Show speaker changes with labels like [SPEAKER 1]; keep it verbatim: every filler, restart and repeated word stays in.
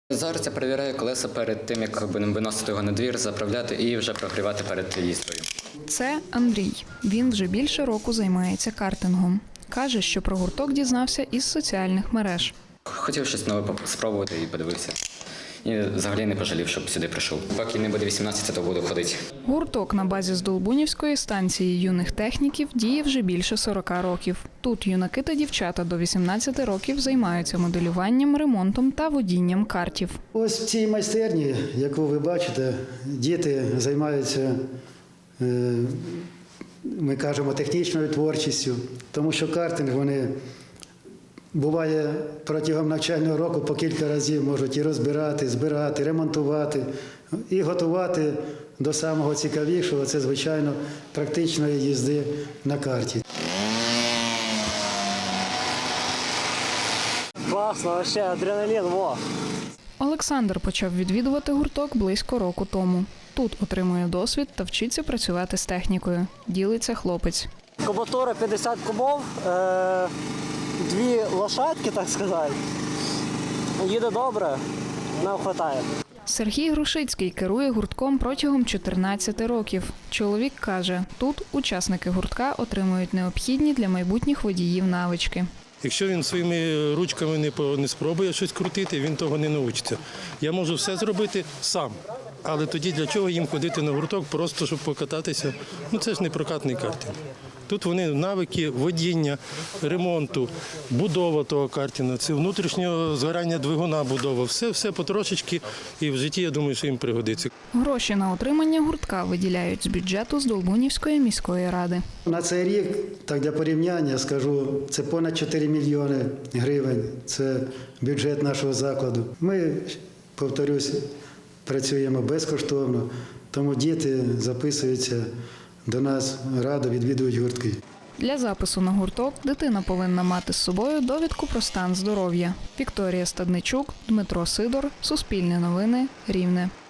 [SPEAKER 1] Зараз я перевіряю колеса перед тим, як будемо виносити його на двір, заправляти і вже прогрівати перед їздою.
[SPEAKER 2] Це Андрій. Він вже більше року займається картингом. Каже, що про гурток дізнався із соціальних мереж.
[SPEAKER 1] Хотів щось нове спробувати і подивився. І взагалі не пожалів, щоб сюди прийшов. Поки не буде вісімнадцяти, то буду ходити.
[SPEAKER 2] Гурток на базі Здолбунівської станції юних техніків діє вже більше сорока років. Тут юнаки та дівчата до вісімнадцяти років займаються моделюванням, ремонтом та водінням картів.
[SPEAKER 3] Ось в цій майстерні, яку ви бачите, діти займаються, ми кажемо, технічною творчістю, тому що картинг вони буває протягом навчального року по кілька разів можуть і розбирати, збирати, ремонтувати, і готувати до самого цікавішого, це, звичайно, практичної їзди на карті.
[SPEAKER 4] Класно, вообще, адреналін, во!
[SPEAKER 2] Олександр почав відвідувати гурток близько року тому. Тут отримує досвід та вчиться працювати з технікою. Ділиться хлопець.
[SPEAKER 4] Кубатура п'ятдесят кубов, е- дві лошадки, так сказати. Їде добре, нам вистачає.
[SPEAKER 2] Сергій Грушицький керує гуртком протягом чотирнадцяти років. Чоловік каже, тут учасники гуртка отримують необхідні для майбутніх водіїв навички.
[SPEAKER 5] Якщо він своїми ручками не, не спробує щось крутити, він того не навчиться. Я можу все зробити сам, але тоді для чого їм ходити на гурток, просто щоб покататися? Ну це ж не прокатний картинг. Тут вони навики водіння, ремонту, будова того картинга, це внутрішнього згорання двигуна будова. Все, все потрошечки, і в житті, я думаю, що їм пригодиться.
[SPEAKER 2] Гроші на утримання гуртка виділяють з бюджету Здолбунівської міської ради.
[SPEAKER 3] На цей рік, так для порівняння скажу, це понад чотири мільйони гривень. Це бюджет нашого закладу. Ми, повторюсь, працюємо безкоштовно, тому діти записуються до нас, радо відвідують гуртки.
[SPEAKER 2] Для запису на гурток дитина повинна мати з собою довідку про стан здоров'я. Вікторія Стадничук, Дмитро Сидор, Суспільне новини, Рівне.